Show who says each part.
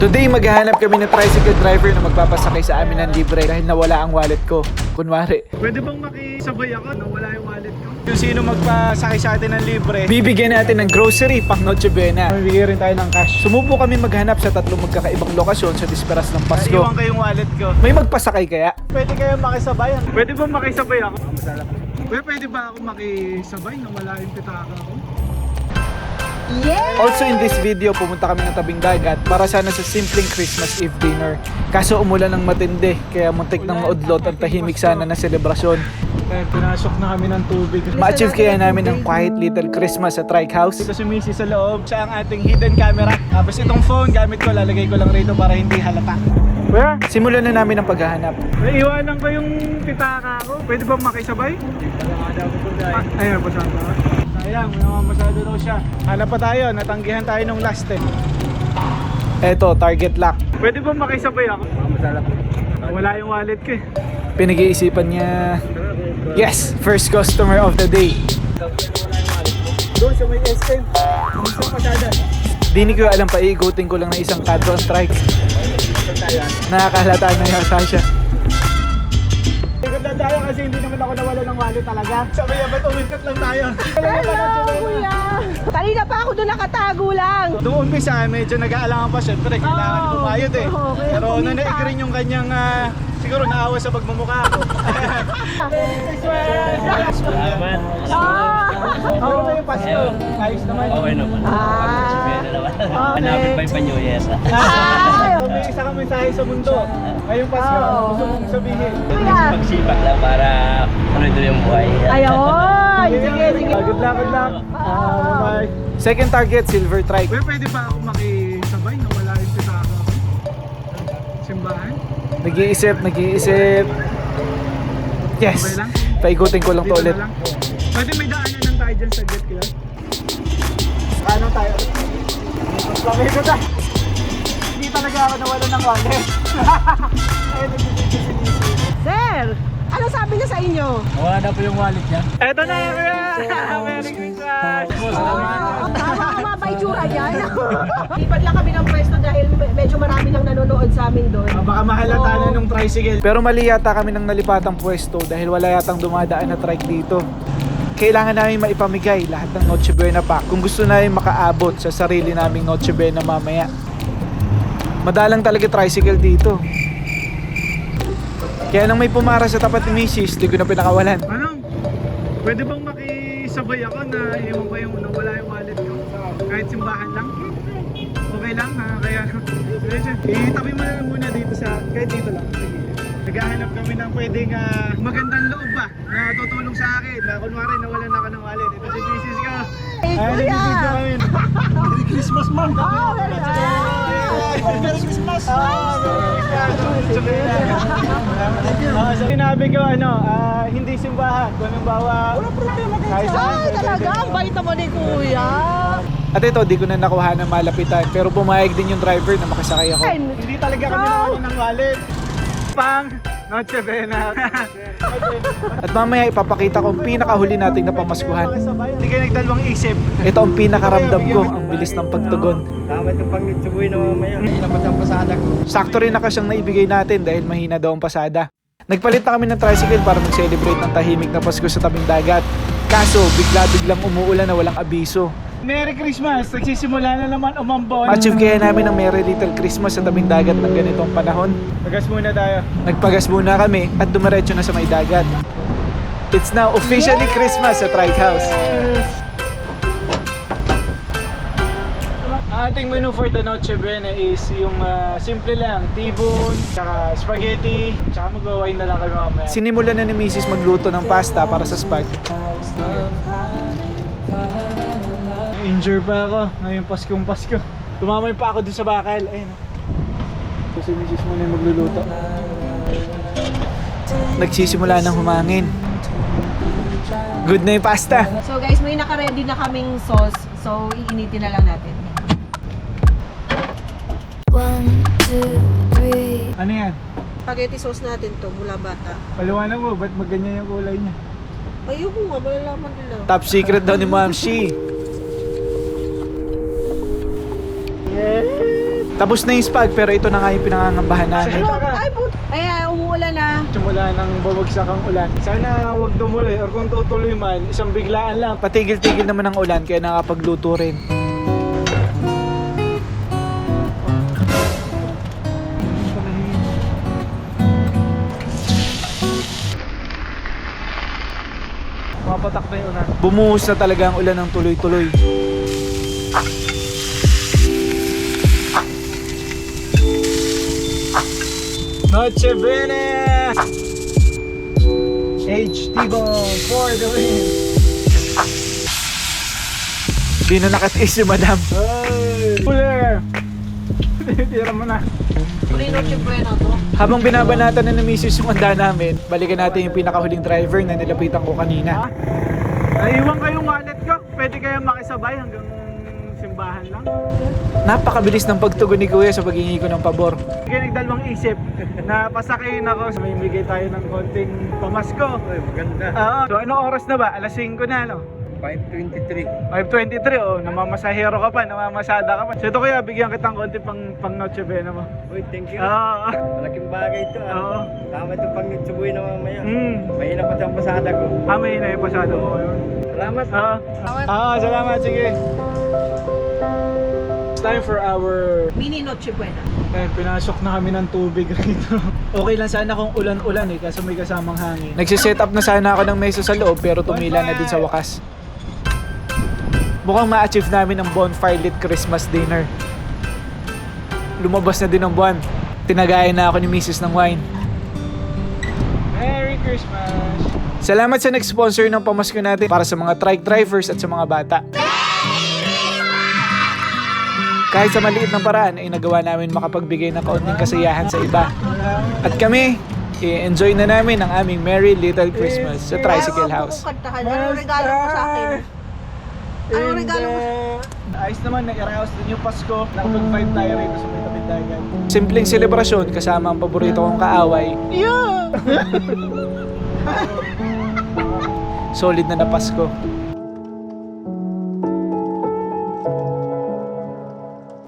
Speaker 1: Today, maghahanap kami ng tricycle driver na magpapasakay sa amin ng libre dahil nawala ang wallet ko. Kunwari.
Speaker 2: Pwede bang makisabay ako? Nawala yung wallet ko.
Speaker 1: Kung sino magpasakay sa atin ng libre, bibigyan natin ng grocery pang Noche Buena. Bibigyan rin tayo ng cash. Sumubo kami maghanap sa tatlong magkakaibang lokasyon sa disperas ng Pasko.
Speaker 2: Naiwan ko yung wallet ko.
Speaker 1: May magpasakay kaya?
Speaker 2: Pwede kayo makisabay? Pwede bang makisabay ako? Pwede ba ako makisabay? Nawala yung pitaka ko.
Speaker 3: Yeah!
Speaker 1: Also in this video, pumunta kami ng tabing dagat para sana sa simpleng Christmas Eve dinner. Kaso umulan ng matindi, kaya muntik ng maudlot ang tahimik sana na selebrasyon.
Speaker 2: Kaya pinasok na kami ng tubig.
Speaker 1: Ma-achieve kaya namin ang quiet little Christmas sa Trike House.
Speaker 2: Dito si Missy sa loob. Siya ang ating hidden camera. Tapos itong phone, gamit ko, lalagay ko lang rito para hindi halata. Kuya,
Speaker 1: Simulan na namin ang paghahanap.
Speaker 2: naiwanan ko yung pitaka ko. Pwede bang makisabay? Ayun, pasado. Sayang, may mamasado daw siya. Hanap pa tayo, natanggihan tayo nung last time.
Speaker 1: Eto, target lock.
Speaker 2: Pwede bang makisabay ako? Wala yung wallet ko eh.
Speaker 1: Pinag-iisipan niya. Yes, first customer of the day.
Speaker 2: Doon sa may SM. Gusto pasada.
Speaker 1: Di ni ko alam pa, iikutin ko lang na isang kadro ang trike. Nakakahalata na yata siya.
Speaker 2: Ikot lang tayo kasi hindi naman ako nawala ng wallet talaga. Sabi niya, ba't umikot lang tayo?
Speaker 3: Hello, kuya! Kanina pa ako doon nakatago lang.
Speaker 2: Noong umpisa, medyo nag-aalangan pa syempre. Kailangan
Speaker 3: Oo.
Speaker 2: bumayot eh.
Speaker 3: Oo, kaya
Speaker 2: Pero
Speaker 3: kumita.
Speaker 2: nung na-agree yung kanyang, siguro naawa sa pagmumukha ko. Ano ba yung Pasko? Ayos naman.
Speaker 4: Okay naman. Hanapin pa yung panyuyes.
Speaker 2: Kung may isa kang mensahe sa mundo, ngayong Pasko,
Speaker 3: Oo.
Speaker 2: gusto mong sabihin.
Speaker 3: Kuya!
Speaker 4: Pagsipag lang para tuloy-tuloy yung buhay.
Speaker 3: Ayun! Sige, sige.
Speaker 2: Good luck, good luck. Bye.
Speaker 1: Second target, silver trike.
Speaker 2: Pwede ba ako makisabay na wala yung pitaka ko? Simbahan?
Speaker 1: Nag-iisip. Yes,
Speaker 2: Okay lang?
Speaker 1: paikutin ko lang to
Speaker 2: Dito
Speaker 1: ulit.
Speaker 2: na lang. Pwede may daanan lang tayo dyan sa jet kaya? Ano tayo? Lagay ko tayo. Hindi talaga ako nawala ng wallet. Ayun, nagbibigay si Lizzy.
Speaker 3: Sir! Ano sabi niya sa inyo?
Speaker 4: Wala na po yung wallet niya.
Speaker 2: Eto na kuya! Merry Christmas!
Speaker 3: Tama ka mga paitsura yan. Lipad lang kami ng pwesto dahil medyo marami nang nanonood sa amin doon.
Speaker 2: Baka mahalata na nung tricycle.
Speaker 1: Pero mali yata kami ng nalipatang pwesto dahil wala yatang dumadaan na trike dito. Kailangan namin maipamigay lahat ng Noche Buena pack kung gusto namin makaabot sa sarili naming Noche Buena mamaya. Madalang talaga tricycle dito. Kaya nang may pumara sa tapat ni Mrs., di ko na pinakawalan.
Speaker 2: Ano? Pwede bang makisabay ako na iwan ko yung nawala yung wallet ko? Kahit simbahan lang? Okay lang ha? Kaya, itabi mo na lang muna dito sa, kahit dito lang. Sige. Naghahanap kami ng pwedeng magandang loob ba na tutulong sa akin na kunwari nawalan ako ng wallet. Ito si Mrs. ko.
Speaker 3: Hey, kuya!
Speaker 2: Merry Christmas, ma'am!
Speaker 3: Oh, very
Speaker 2: Merry Christmas! Sinabi ko hindi simbahan. Kung anong bawa... Wala problema kayo.
Speaker 3: Ay, talaga? Ang bait naman ni kuya.
Speaker 1: At ito, di ko na nakuha ng malapitan. Pero pumayag din yung driver na makasakay ako.
Speaker 2: Hindi talaga kami nawalan ng wallet. Pang Noche Buena.
Speaker 1: At mamaya ipapakita ko ang pinakahuli nating napamaskuhan.
Speaker 2: Hindi kayo nagdalawang isip.
Speaker 1: Ito ang pinakaramdam ko, ang bilis ng pagtugon.
Speaker 4: Dapat yung pag-tsubuhin na mamaya. Ilabas ang pasada ko.
Speaker 1: Sakto rin na kasyang naibigay natin dahil mahina daw ang pasada. Nagpalit na kami ng tricycle para mag-celebrate ng tahimik na Pasko sa tabing dagat. Kaso, bigla-biglang umuulan na walang abiso.
Speaker 2: Merry Christmas! Nagsisimula na naman umambon.
Speaker 1: Ma-achieve kaya namin ang Merry Little Christmas sa tabing dagat ng ganitong panahon.
Speaker 2: Tagas muna tayo.
Speaker 1: Nagpagas muna kami at dumiretso na sa may dagat. It's now officially Christmas sa Trike House.
Speaker 2: Ang ating menu for the Noche Buena is yung simple lang, T-bone, tsaka spaghetti, tsaka mag-wine na lang kami mamaya.
Speaker 1: Sinimulan na ni Mrs. magluto ng pasta para sa spag.
Speaker 2: Injure pa ako ngayong Paskong-Pasko. Tumamay pa ako dun sa bakal. Ayun. So, si Mrs. muna yung magluluto.
Speaker 1: Nagsisimula ng humangin. Good na yung pasta.
Speaker 3: So guys, may naka-ready na kaming sauce. So, iinitin na lang natin.
Speaker 5: 1, 2, 3.
Speaker 2: Ano yan?
Speaker 3: Spaghetti sauce natin to, mula bata.
Speaker 2: Paliwanag mo, ba't magganyan yung kulay niya?
Speaker 3: Ayoko nga, malalaman nila.
Speaker 1: Top secret daw ni Ma'am Shi. Tapos na yung spag, pero ito na nga yung pinangangambahan namin.
Speaker 3: Ay, umuulan na.
Speaker 2: Simula ng bumagsak ang ulan. Sana huwag tumuloy or kung tutuloy man, isang biglaan lang.
Speaker 1: Patigil-tigil naman ang ulan, kaya nakapagluto rin.
Speaker 2: Mapatak na yung ulan.
Speaker 1: Bumuhos na talaga ang ulan ng tuloy-tuloy.
Speaker 2: Noche Bene! HT-Bone for the win!
Speaker 1: Di na nakatiis si madam.
Speaker 2: Hey! Puller! Tira mo na.
Speaker 3: Noche Buena to.
Speaker 1: Habang binabanatan na ni Mrs. yung handa namin, balikan natin yung pinakahuling driver na nilapitan ko kanina.
Speaker 2: Naiwan kayong wallet ko. Pwede kayong makisabay hanggang simbahan lang.
Speaker 1: Napakabilis ng pagtugon ni Kuya sa paghingi ko ng pabor.
Speaker 2: Kaya nagdalawang isip na pasakayin ako. May bigay tayo ng konting pamasko. Ay, maganda. Oo. So, anong oras na ba? Alas 5 na, no?
Speaker 4: 5:23.
Speaker 2: 5:23, oh, namamasahero ka pa, namamasada ka pa. So ito kaya, bigyan kitang konti pang Noche Buena mo.
Speaker 4: Uy, thank you.
Speaker 2: Oo.
Speaker 4: Malaking bagay ito
Speaker 2: Oo.
Speaker 4: Tama itong pang Noche Buena mamaya.
Speaker 2: Mm.
Speaker 4: Mahina pa ang pasada ko.
Speaker 2: May na yung pasado mo yun.
Speaker 4: Salamat.
Speaker 2: Salamat, sige. It's time for our...
Speaker 3: Mini Noche Buena.
Speaker 2: pinasok na kami ng tubig rito.
Speaker 1: Okay lang sana kung ulan-ulan kasi may kasamang hangin. Nagsiset up na sana ako ng mesa sa loob pero tumila na din sa wakas. Mukhang ma-achieve namin ang bonfire lit Christmas dinner. Lumabas na din ang buwan. Tinagayan na ako ni Mrs. ng wine.
Speaker 2: Merry Christmas!
Speaker 1: Salamat sa nag-sponsor ng pamasko natin para sa mga trike drivers at sa mga bata. Kahit sa maliit ng paraan ay nagawa namin makapagbigay ng kaunting kasiyahan sa iba. At kami, i-enjoy na namin ang aming Merry Little Christmas sa Tricycle House.
Speaker 3: Anong regalo mo sa akin? Anong regalo mo?
Speaker 2: Ayos naman, nag-arouse din yung Pasko. Nakapag-vibe tayo rito sa may tabing dagat.
Speaker 1: Simpleng selebrasyon kasama ang paborito kong kaaway. Solid na Pasko.